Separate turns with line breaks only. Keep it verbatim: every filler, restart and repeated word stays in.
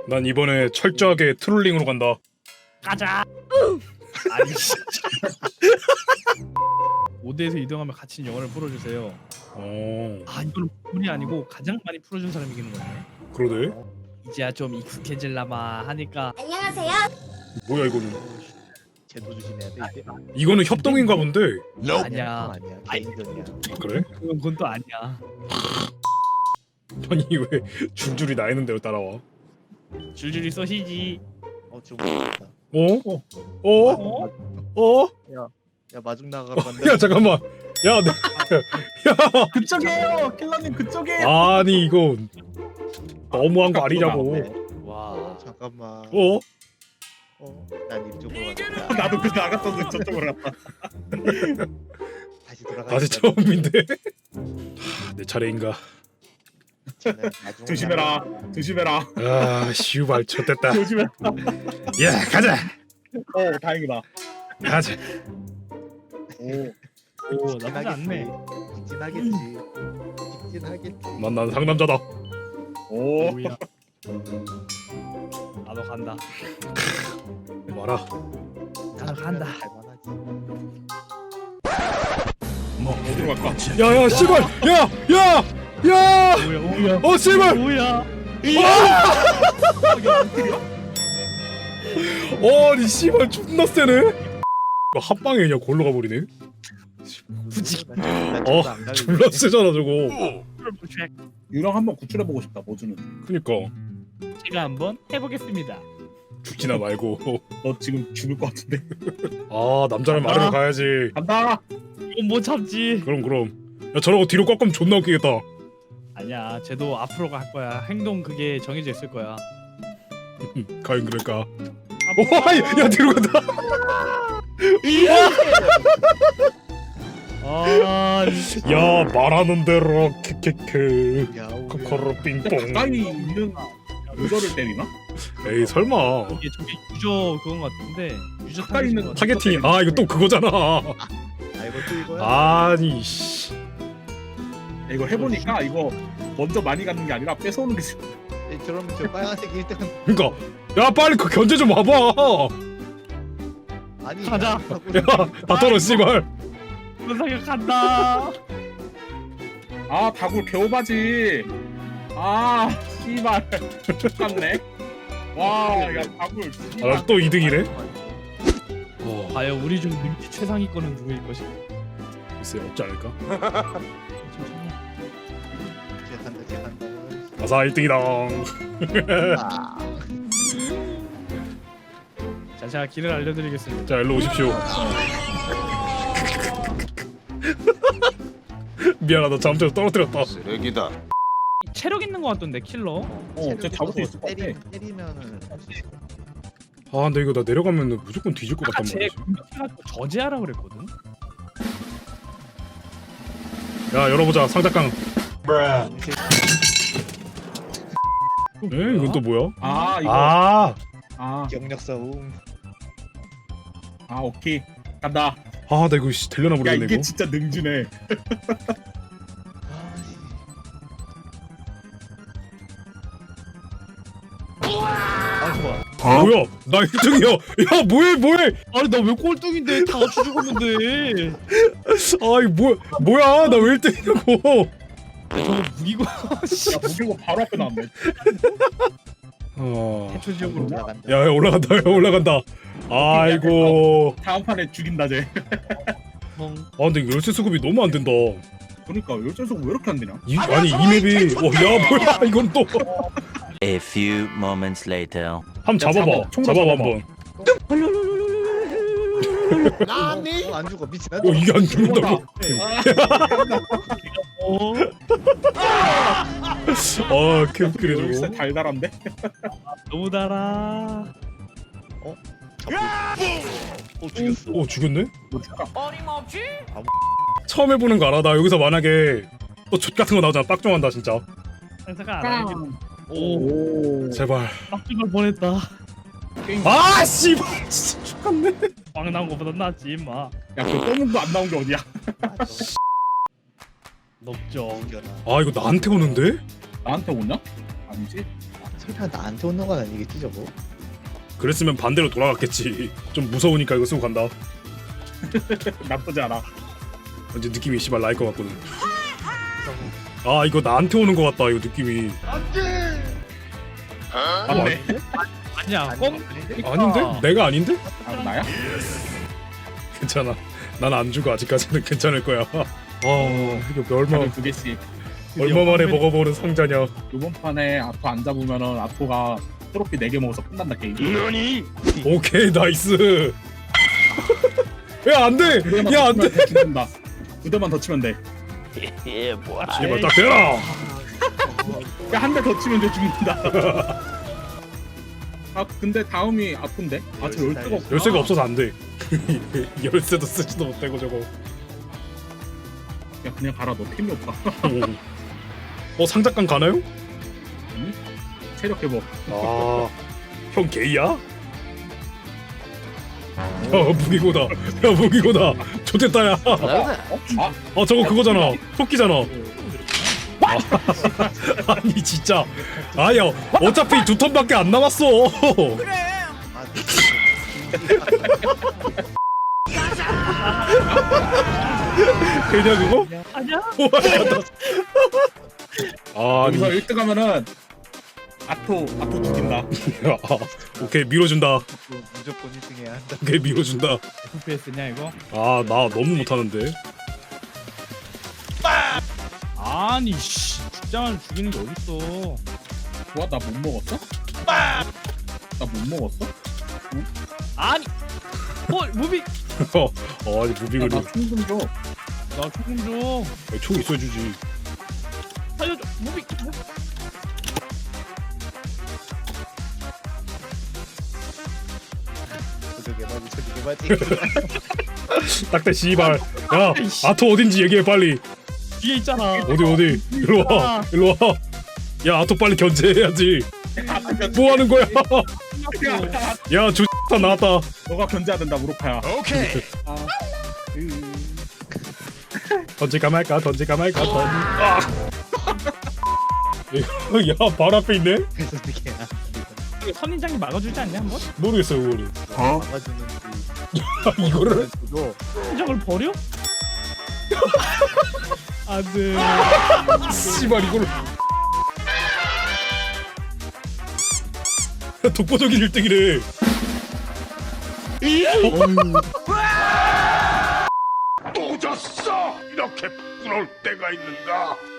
난 이번에 철저하게 트롤링으로 간다.
가자. 아니 진짜. 오 대에서 이동하면 갇힌 영혼을 풀어주세요.
어,
아 이건 물이 아니고 가장 많이 풀어준 사람이 이기는 거네.
그러네.
이제야 좀 익숙해질라마 하니까.
안녕하세요.
뭐야 이거는?
제도 조심해야 돼 이제.
이거는 협동인가 본데.
아니야.
아니야.
아이.
개인전이야.
그래?
그건, 그건 또 아니야.
아니 왜 줄줄이 나 있는 대로 따라와?
줄줄이 쏘시지.
어 지금 모르겠다.
어? 어?
어?
어?
야 마중 나가러 간다.
야 잠깐만. 야, 내, 야.
그쪽이에요. 킬러님 그쪽이에요.
아니 이거 너무한 거 아니냐고.
와.
잠깐만.
어?
어? 난 이쪽으로 가자.
나도 그 나갔어도 저쪽으로 갔다.
다시 돌아가.
다시 처음인데. 하, 내 차례인가?
조심해라. 조심해라.
아, 슈발 쳤댔다.
조심해라.
야, 가자.
어 다행이다.
가자.
오.
오 나쁘지 않네.
직진하겠지. 직진하겠지.
난, 난 상남자다.
오.
오야. 나도 간다.
와라.
나도 간다.
갈만하지.
뭐 어디로 갈까?
야, 야, 씨발. 야, 야, 야.
오야 오야.
어, 씨발.
오야.
어, 니 씨발 존나 세네. 이거 한 방에 그냥 골로 가버리네.
부지.
어, 졸라 세잖아 저거.
유령 한번 구출해 보고 싶다. 뭐 주는?
그니까
제가 한번 해보겠습니다.
죽지나 말고.
너 지금 죽을 것 같은데.
아, 남자를 말하러 가야지.
간다.
이건 못 참지.
그럼 그럼. 야, 저러고 뒤로 꺾으면 존나 웃기겠다.
아니야, 쟤도 앞으로 갈 거야. 행동 그게 정해져 있을 거야.
과연 그럴까?
앞으로
오, 아이, 야 뒤로 간다.
아,
야, 말하는 대로 케케케.
야
코코로 빙뽕.
가까이 있는 유저를 때리나?
에이 설마.
이게 저게 유저 그건 것 같은데 유저
가까이 있는
것 같아.
타겟팅. 아, 이거 또 그거잖아.
아 이것도 이거야.
아니 씨.
야, 이거 해보니까 이거 먼저 많이 가는 게 아니라 뺏어오는 게 좋-
에, 그럼 저 빨간색 일 등.
그러니까 야 빨리 그 견제 좀 와봐.
아니.
가자.
야, 다 떨어 씨발.
분사격 간다.
아 다굴 개오바지. 아 씨발. 똑같네. 와야 다굴.
아, 나 또 이 등이네. 어,
과연 우리 중 능지 최상위권은 누구일 것인가?
글쎄 없지 않을까?
제 간다 제 간다.
아사 일 등이다.
아.
자, 제가 길을 알려드리겠습니다.
자, 일로 오십시오. 미안하다, 잠깐 떨어뜨렸다.
쓰레기다.
체력 있는 것 같던데 킬러.
어, 쟤 잡을 수 있을 것 같아.
때리, 때리면은 할수 있어.
아, 근데 이거 나 내려가면 무조건 뒤질 것
아까
같단
쟤
말이지.
공격해가지고 저지하라 그랬거든.
야, 열어보자, 상자깡. 에? 이건 또 뭐야?
아 이거.
아,
아,
경력 싸움.
아 오케이. 간다.
아, 나 이거 씨, 되려나
야
모르겠네
이게
이거.
진짜 능지네.
아 좋아.
아, 뭐야? 나 일 등이야. 야, 뭐해, 뭐해?
아니 나 왜 꼴등인데 다 같이 죽었는데.
아이, 뭐, 뭐야? 나 왜 일 등이냐고.
저거 무기고
야 무기고 바로 앞에 나왔네.
어,
대초 지역으로.
올라간다.
야, 야, 올라간다, 야, 올라간다. 아이고.
다음 판에 죽인다 쟤.
멍.
아, 근데 이거 열쇠 수급이 너무 안 된다.
그러니까 열쇠석 왜 이렇게 안 되냐?
이, 아니, 이 맵이. 어, 야, 뭐야? 이건 또.
A few moments later.
한번 잡아봐.
잡아. 총으로
잡아봐,
잡아봐.
한번.
어, 안 죽어 미친.
어, 이게 안 죽는다고?
어?
아, 개웃기네
열쇠
저거.
달달한데?
너무 달아.
어 죽였어.
오, 죽였네?
뭐 줄까?
처음 해보는 거 알아? 나 여기서 만약에 또 젖 같은 거 나오잖아. 빡종한다 진짜.
상사가 안 하는
오.
제발.
빡죽을 보냈다.
아, 씨발. 진짜 죽겠네.
빵 나온 거보다 낫지 임마.
야그 검은 거 안 나온 게 어디야?
높죠.
죽여라.
아, 이거 나한테 오는데?
나한테 오냐? 아니지?
아, 피라 나한테 오는 건 아니겠지 저거?
그랬으면 반대로 돌아갔겠지. 좀 무서우니까 이거 쓰고 간다.
나쁘지 않아.
이제 느낌이 씨발 나일 것 같거든. 아 이거 나한테 오는 것 같다. 이거 느낌이.
맞네.
아니야. 꽁.
아닌데? 내가 아닌데?
아 나야?
괜찮아. 난 안 죽어. 아직까지는 괜찮을 거야. 아 이거 얼마
다들 두 개씩.
얼마 만에 먹어보는 상자냐.
이번 판에 아토 안 잡으면은 아토가 트로피 네 개 먹어서 끝난다 게임.
오케이 나이스. 야 안돼.
그대만
야
더
안돼.
치면 돼, 죽는다. 그대만 더 치면 돼.
제발 딱 대라.
야 한 대 더 치면 돼 죽는다. 아 근데 다음이 아픈데? 아저 열쇠가 없구나.
열쇠가 없어서 안 돼. 열쇠도 쓰지도 못하고 저거.
야 그냥 가라 너 템이 없다.
어 상작관 가나요?
체력 회복.
아, 형 게이야? 야 무기고다. 야 무기고다. 좋댔다 야.
아
아 저거 그거잖아. 토끼잖아. 아, 아니 진짜. 아야 어차피 두 턴밖에 안 남았어. 그냥 그거?
아니야?
아, 아니.
여기서 일 등 하면은 아토 아토 죽인다.
아, 오케이 밀어준다.
무조건 일 등 해야 한다.
오케이 밀어준다.
에프피에스냐 이거?
아 나 너무 못하는데.
아니 씨. 죽자마자 죽이는 게 어딨어?
좋아 나 못 먹었어? 나 못 먹었어?
아니. 어 무비.
어 아니 무빙을.
나총 좀 줘.
나 조금 좀
총 있어주지.
살려줘. 무비. 무비.
저도 개바지 저도 개바지.
딱대 씨발. 야 아토 어딘지 얘기해 빨리.
뒤에 있잖아.
어디 어디. 일로 와. 일로 와. 야 아토 빨리 견제해야지. 뭐 하는 거야? 야 조다 나왔다.
너가 견제해야 된다 무로카야.
던질까 말까 던질까 말까 던. 아. 야발 앞에 있네.
그래서 어떻게 해야?
이거 선인장이 막아주지 않냐 한번?
모르겠어요 그거를.
어?
막아주는지.
이거를?
저도
선인장을 버려? 안돼.
씨발 이걸. 독보적인 일 등이래.
또 졌어! 이렇게 부러울 때가 있는가?